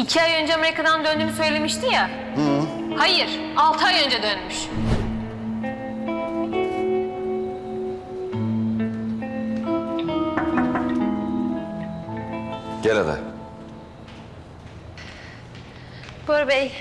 2 ay önce Amerika'dan döndüğümü söylemişti ya. Hayır, 6 ay önce dönmüş. Gel Ada. Bora Bey.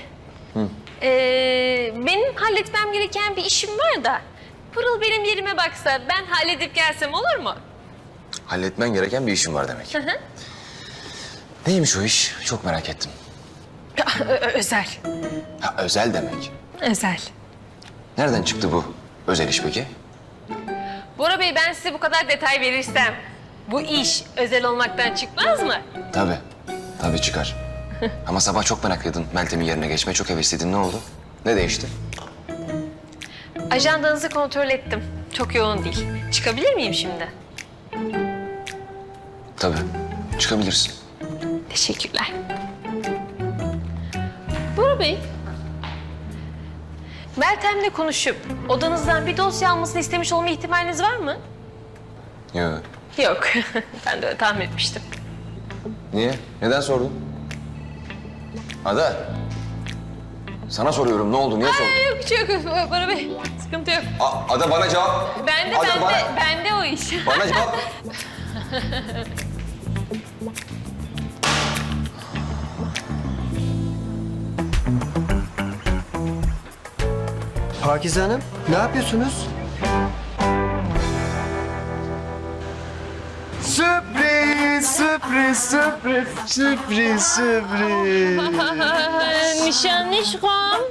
Benim halletmem gereken bir işim var da. Pırıl benim yerime baksa ben halledip gelsem olur mu? Halletmen gereken bir işin var demek. Neymiş o iş? Çok merak ettim. Özel. Ha, özel demek. Özel. Nereden çıktı bu özel iş peki? Bora Bey ben size bu kadar detay verirsem bu iş özel olmaktan çıkmaz mı? Tabii. Tabii çıkar. Ama sabah çok meraklıydın. Meltem'in yerine geçmeye çok hevesliydin. Ne oldu? Ne değişti? Ajandanızı kontrol ettim. Çok yoğun değil. Çıkabilir miyim şimdi? Tabii. Çıkabilirsin. Teşekkürler. Bora Bey. Meltem'le konuşup odanızdan bir dosya almasını istemiş olma ihtimaliniz var mı? Yok. Yok. Ben de öyle tahmin etmiştim. Niye? Neden sordun? Ada. Sana soruyorum. Ne oldu? Niye sordun? Yok bir şey yok Bora Bey. Sıkıntı yok. Ada bana cevap. Bende Ada, bende o iş. Bana cevap. Pakize Hanım, ne yapıyorsunuz? Sürpriz, sürpriz, sürpriz, sürpriz, sürpriz. Nişanlışkom.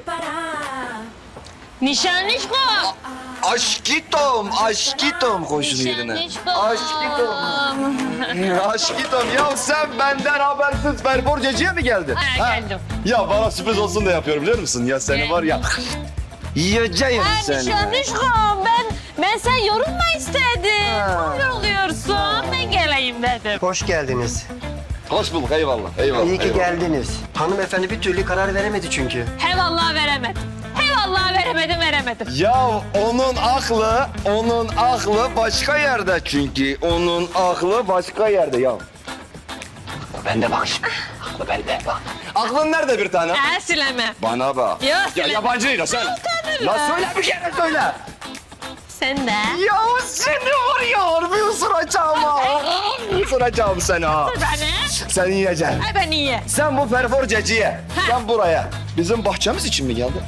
Nişanlışkom. Aşkitom, aşkitom koşun yerine. Aşkitom. Aşkitom, ya sen benden habersiz Berborcacı'ya mı geldin? Ha, geldim. Ya bana sürpriz olsun da yapıyorum biliyor musun? Ya seni var ya... Yiyeceğim seni. Nişanlışkom ben sen yorulma istedim. Böyle oluyorsun. Ben geleyim dedim. Hoş geldiniz. Hoş bulduk, eyvallah, eyvallah. İyi ki eyvallah. geldiniz. Hanımefendi bir türlü karar veremedi çünkü. He vallahi veremedim. He vallahi veremedim. Ya onun aklı başka yerde çünkü. Onun aklı başka yerde ya. Bende bak şimdi. Aklı bende bak. Aklın nerede bir tane? Sileme. Bana bak. Ya, Ya söyle. yabancı değil o sen. La söyle bir kere söyle. Sen de. Ya seni var ya harbi ısıracağım ha. Isıracağım seni ha. Beni. Sen yiyeceksin. Ay ben iyi. Sen bu perforceciye. Sen buraya. Bizim bahçemiz için mi geldin?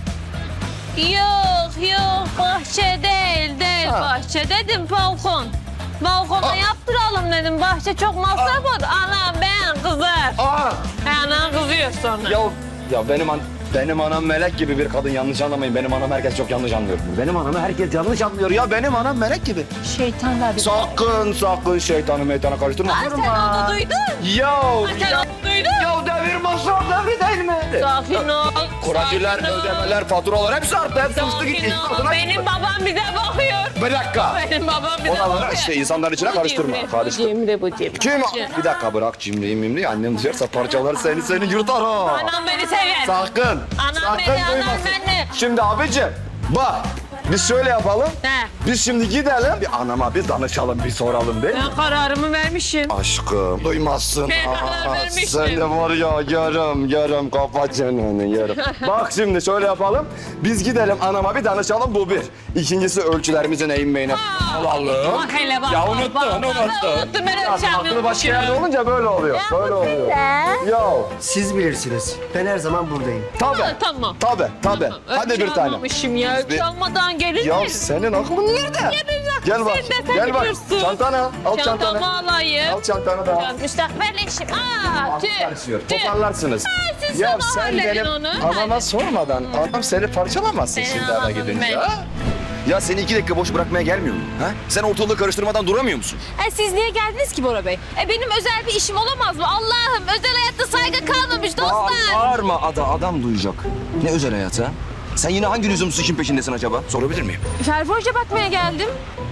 Yok bahçe değil Ha. bahçe dedim balkon. Balkona yaptıralım dedim bahçe çok masraf oldu. Anam ben kızar. Aa. Anam kızıyor sonra. Ya benim anam melek gibi bir kadın, yanlış anlamayın. Benim anam herkes çok yanlış anlıyor. Benim anamı herkes yanlış anlıyor ya. Benim anam melek gibi. Şeytanlar bir... Sakın şeytanı meytana karıştırma. Sen onu duydun. Ya Sen onu duydun. ya devir masraf devri değil mi? Sakin ol. Kuracılar, sakin ol. ödemeler, faturalar hepsi arttı. Hepsi uçtu gitti. Sakin ol. Benim babam bize bakıyor. Bir dakika. Benim babam bize Oraları bakıyor. işte insanların içine karıştırma. Karıştır. Bu cimri. Kim? Bir dakika bırak cimriyi mimriyi. Annem duyarsa parçalar seni yırtar ha. Anam beni sever. Sakın. Anam sakın beni, anam duymasın. beni. Şimdi abicim bak biz şöyle yapalım. He. Biz şimdi gidelim bir anama bir danışalım bir soralım değil mi? Ben kararımı vermişim. Aşkım duymazsın. Ben karar vermiştim. Sen de var ya yarım kafa çeneni yarım. Bak şimdi şöyle yapalım. Biz gidelim anama bir danışalım bu bir. İkincisi ölçülerimizin eğinmeyine alalım. Bak hele bak. Ya bak, unuttun. Unuttum ben ölçeceğim. Aklı başka yerde olunca böyle oluyor. Böyle oluyor. Ya Siz bilirsiniz. Ben her zaman buradayım. tabii. Tamam. Tabii. Hadi bir tane. Ölçü ya. Ölçü Bir- almadan gelir Ya mi? senin aklın nerede? Gel bak. Sen de Gel bak. biliyorsun. Çantanı al. Al çantanı. Çantamı alayım. Al çantanı da al. Müstakbel eşim. Karışıyor. Tüh. Toparlarsınız. Siz Ya sabah sen halledin benim onu. anama sormadan adam seni parçalamazsın Ben şimdi eve anladım gidince. ben. Ha? Ya seni 2 dakika boş bırakmaya gelmiyor mu? Ha? Sen ortalığı karıştırmadan duramıyor musun? Siz niye geldiniz ki Bora Bey? Benim özel bir işim olamaz mı? Allah'ım özel hayatta saygı kalmamış dostlar. Bağırma Ada. Adam duyacak. Ne özel hayatı ha? Sen yine hangi lüzumsuz işin peşindesin acaba? Sorabilir miyim? Ferforca bakmaya geldim.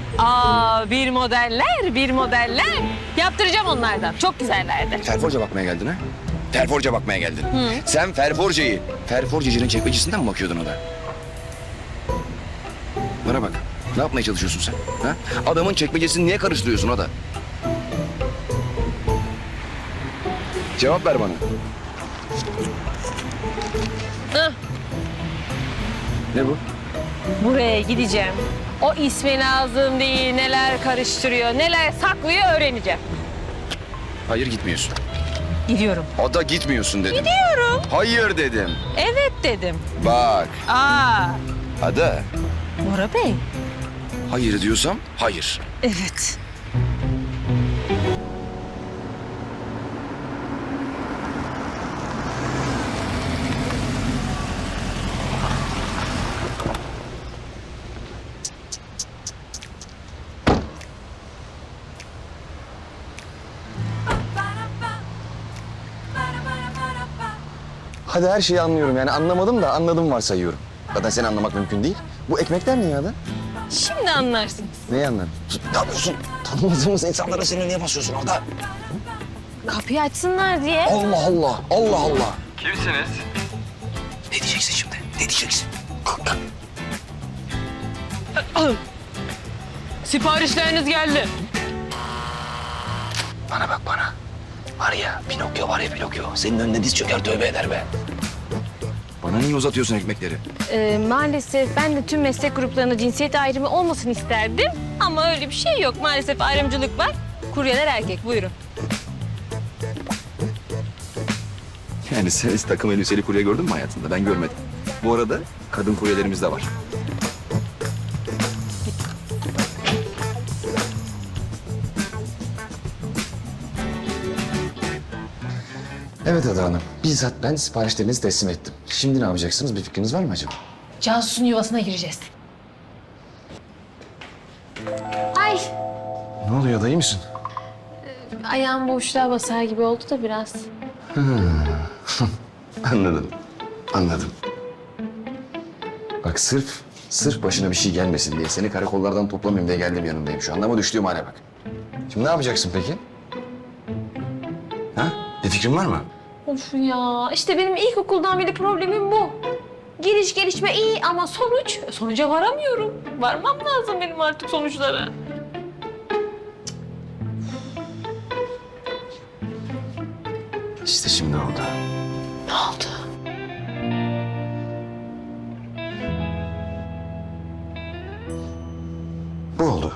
Bir modeller. Yaptıracağım onlardan. Çok güzellerdi. Ferforca bakmaya geldin ha? Ferforca bakmaya geldin. Sen Ferforcacının çekmecesinden mi bakıyordun Ada? Bana bak. Ne yapmaya çalışıyorsun sen? Ha? Adamın çekmecesini niye karıştırıyorsun Ada? Cevap ver bana. Hah, Ne bu? buraya gideceğim. O ismi lazım değil, neler karıştırıyor, neler saklıyor öğreneceğim. Hayır gitmiyorsun. Gidiyorum. Ada gitmiyorsun dedim. Gidiyorum. Hayır dedim. Evet dedim. Bak Aa, Ada. Bora Bey. Hayır diyorsam hayır. Evet. Hadi her şeyi anlıyorum yani anlamadım da anladım varsayıyorum. Zaten seni anlamak mümkün değil. Bu ekmekler ne ya da? Şimdi anlarsınız. Neyi anladın? Ne yapıyorsun? Tanımadığımız insanlara seni niye basıyorsun Ada? Kapıyı açsınlar diye. Allah Allah, Allah Allah. Kimsiniz? Ne diyeceksin şimdi? Ne diyeceksin? Siparişleriniz geldi. Bana bak bana. Var ya Pinokyo var ya Pinokyo. Senin önüne diz çöker tövbe eder be. Bana niye uzatıyorsun ekmekleri? Maalesef ben de tüm meslek gruplarında cinsiyet ayrımı olmasın isterdim. Ama öyle bir şey yok. Maalesef ayrımcılık var. Kuryeler erkek. Buyurun. Yani sen hiç takım elbiseli kurye gördün mü hayatında? Ben görmedim. Bu arada kadın kuryelerimiz de var. Evet Ada Hanım. Bizzat ben siparişlerinizi teslim ettim. Şimdi ne yapacaksınız? Bir fikriniz var mı acaba? Cansu'nun yuvasına gireceğiz. Ay, Ne oluyor? Dayı mısın? ayağım boşluğa basar gibi oldu da biraz. Anladım. Anladım. Bak sırf başına bir şey gelmesin diye seni karakollardan toplamayayım diye geldim yanındayım şu anda ama düştüğüm hale bak. Şimdi ne yapacaksın peki? Ha? Bir fikrin var mı? Of ya, işte benim ilkokuldan beri problemim bu. Giriş gelişme iyi ama sonuca varamıyorum. Varmam lazım benim artık sonuçlara. İşte şimdi oldu. Ne oldu? Bu oldu.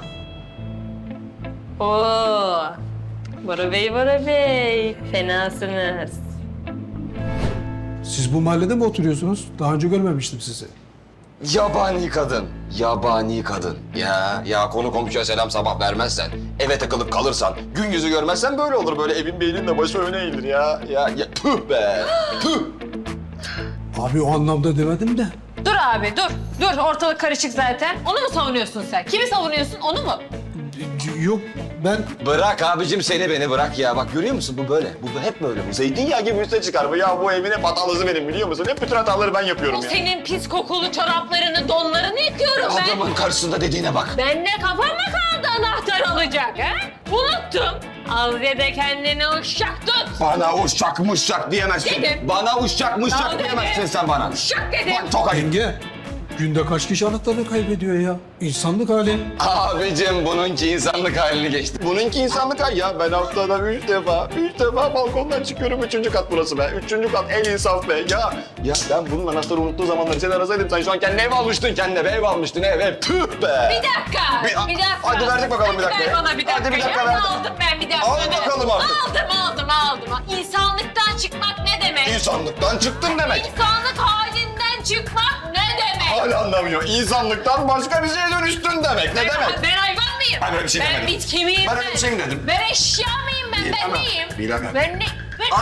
Oo, Bora Bey, fenasınız. Siz bu mahallede mi oturuyorsunuz? Daha önce görmemiştim sizi. Yabani kadın. Yabani kadın. Ya konu komşuya selam sabah vermezsen, eve takılıp kalırsan, gün yüzü görmezsen böyle olur. Böyle evin beynin de başı öne eğilir ya. Ya tüh be. Tüh. Abi o anlamda demedim de. Dur abi, dur. Ortalık karışık zaten. Onu mu savunuyorsun sen? Kimi savunuyorsun, onu mu? Yok ben Bırak abicim seni beni bırak ya. Bak görüyor musun bu böyle. Bu hep böyle. Bu zeytinyağı gibi üste çıkar bu. Ya bu evin hep hatalısı benim biliyor musun? Hep bütün hataları ben yapıyorum O ya. senin pis kokulu çoraplarını, donlarını yıkıyorum ben. Adamın karşısında dediğine bak. Ben de kafama kaldı anahtar alacak ha? Unuttum. Al ya da kendine uşak tut. Bana uşak mışak diyemezsin. Dedim. Bana uşak mışak Tamam diyemezsin dedim. sen bana. Uşak dedim. Bak tokayım. yenge. Günde kaç kişi anahtarını kaybediyor ya? İnsanlık hali. Abicim bununki insanlık halini geçti. Bununki insanlık hali ya. Ben haftada üç defa balkondan çıkıyorum. 3. kat burası be. 3. kat en insaf be. Ya ben bunun anahtarı unuttuğu zamanları seni arasaydım. Sen şu an kendine ev almıştın kendine. Ev almıştın ev. Tüh be. Bir dakika. Bir dakika. Hadi verdik bakalım bir dakika. Hadi ver bana bir dakika. Hadi bir dakika Ya. verdim. Aldım ben bir dakika. Al bakalım artık. Aldım. İnsanlıktan çıkmak ne demek? İnsanlıktan çıktın demek. İnsanlık halinden çıkmak ne demek? Hala anlamıyor. İnsanlıktan başka bir şeye dönüştün demek. Ne demek? Ben hayvan mıyım? Ben öyle bir şey Ben demedim. bitki miyim? Ben öyle bir şey mi dedim? Ben eşya mıyım ben? Bilemem, Ben neyim? bilemem. Ben ne?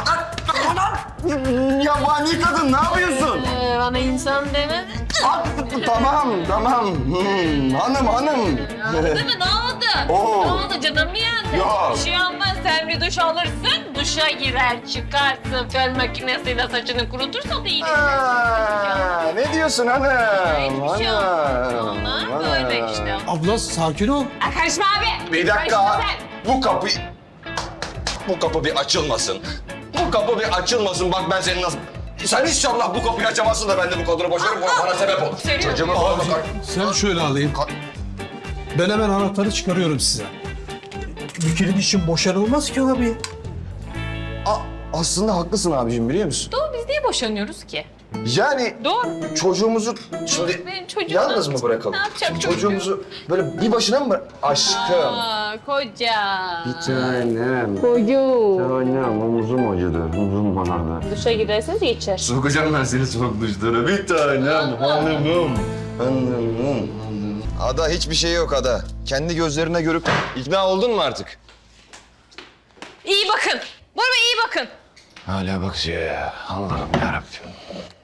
Yabani kadın ne yapıyorsun? Bana insan demedin. Tamam. Hanım. Değil mi? Ne oldu? Oo. Ne oldu? Canım mı yandı? Yok. Bir şey olmaz. Sen bir duş alırsın. Duşa girer, çıkarsın. Fön makinesiyle saçını kurutursa da iyi. Ne diyorsun hanım? Hiçbir şey olmaz. Ona böyle işte. Abla sakin ol. Karışma abi. Bir dakika. Karışma sen. Bu kapı bir açılmasın. Bu kapı bir açılmasın. Bak ben seni nasıl... Sen inşallah bu kapıyı açamazsın da ben de bu kadını boşarım. Bu bana sebep olur. Seviyorum. Çocuğumu falan bakar. Sen şöyle alayım. Ben hemen anahtarı çıkarıyorum size. Bir kilit için boşanılmaz ki abi. aslında haklısın abicim biliyor musun? Doğru, biz niye boşanıyoruz ki? Yani Doğru. çocuğumuzu şimdi Benim çocuğum yalnız ne mı bırakalım? Ne yapacak Çocuğumuzu böyle bir başına mı aşkım? Aa, koca. Tanem. Koyu. Tanem omuzum acıdı. Omuzum bana. Duşa giderseniz geçer. Sokacağım ben seni soğuk duşlara. Bir tanem hanımım. Hanımım. Ada hiçbir şey yok Ada. Kendi gözlerine görüp ikna oldun mu artık? İyi bakın. Bora Bey iyi bakın. Hala bakıyor ya. Allah'ım yarabbim.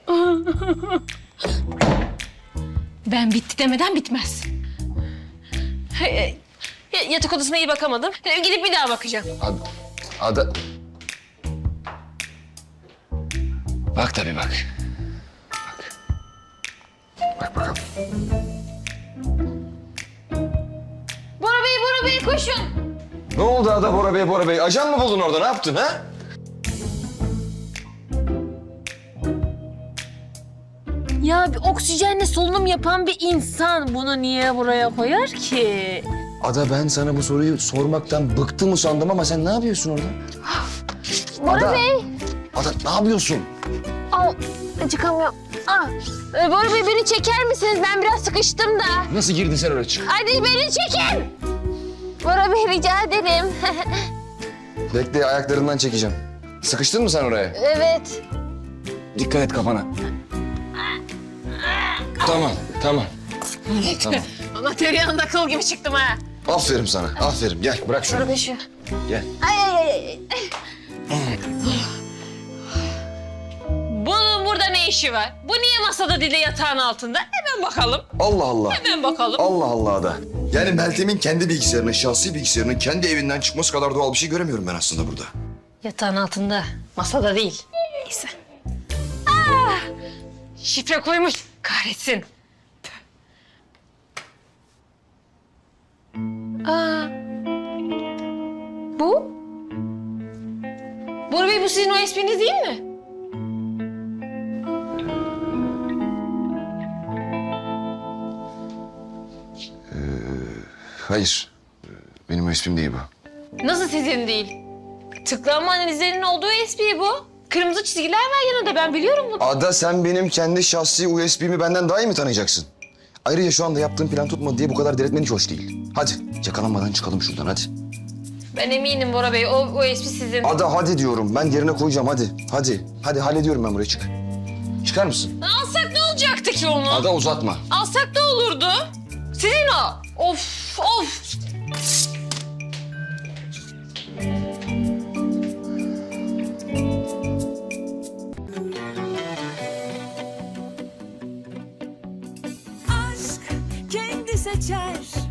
Ben bitti demeden bitmez. Yatak odasına iyi bakamadım. Gidip bir daha bakacağım. Ada... Bak tabii bak. Bak bakalım. Bora Bey koşun. Ne oldu Ada Bora Bey? Ajan mı buldun orada? Ne yaptın ha? Ya bir oksijenle solunum yapan bir insan bunu niye buraya koyar ki? Ada ben sana bu soruyu sormaktan bıktım sandım ama sen ne yapıyorsun orada? Bora Bey. Ada ne yapıyorsun? Al, çıkamıyorum. Bora Bey beni çeker misiniz? Ben biraz sıkıştım da. Nasıl girdin sen oraya çık? Hadi beni çekin. Bora Bey rica ederim. Bekle ayaklarından çekeceğim. Sıkıştın mı sen oraya? Evet. Dikkat et kafana. Tamam. Tamam. Ama tereyağında kıl gibi çıktım ha. Aferin sana. Aferin. Gel bırak şunu. Bora Bey şu. Gel. Ay. Bunun burada ne işi var? Bu niye masada değil de yatağın altında? Hemen bakalım. Allah Allah. Hemen bakalım. Allah Allah da. Yani Meltem'in kendi bilgisayarının, şahsi bilgisayarının kendi evinden çıkması kadar doğal bir şey göremiyorum ben aslında burada. Yatağın altında, masada değil. Neyse. Şifre koymuş. Kahretsin. Bu? Bora Bey bu sizin o espriniz değil mi? Hayır. Benim o ismim değil bu. Nasıl sizin değil? Tıklanma analizlerinin olduğu espri bu. Kırmızı çizgiler var yanında, ben biliyorum bunu. Ada sen benim kendi şahsi USB'mi benden daha iyi mi tanıyacaksın? Ayrıca şu anda yaptığım plan tutmadı diye bu kadar diretmen hiç hoş değil. Hadi yakalanmadan çıkalım şuradan hadi. Ben eminim Bora Bey, o espri sizin. Ada hadi diyorum ben yerine koyacağım hadi. Hadi hallediyorum ben buraya çık. Çıkar mısın? Alsak ne olacaktı ki onu? Ada uzatma. Alsak ne olurdu? Sizin o. Of. Aşk kendi seçer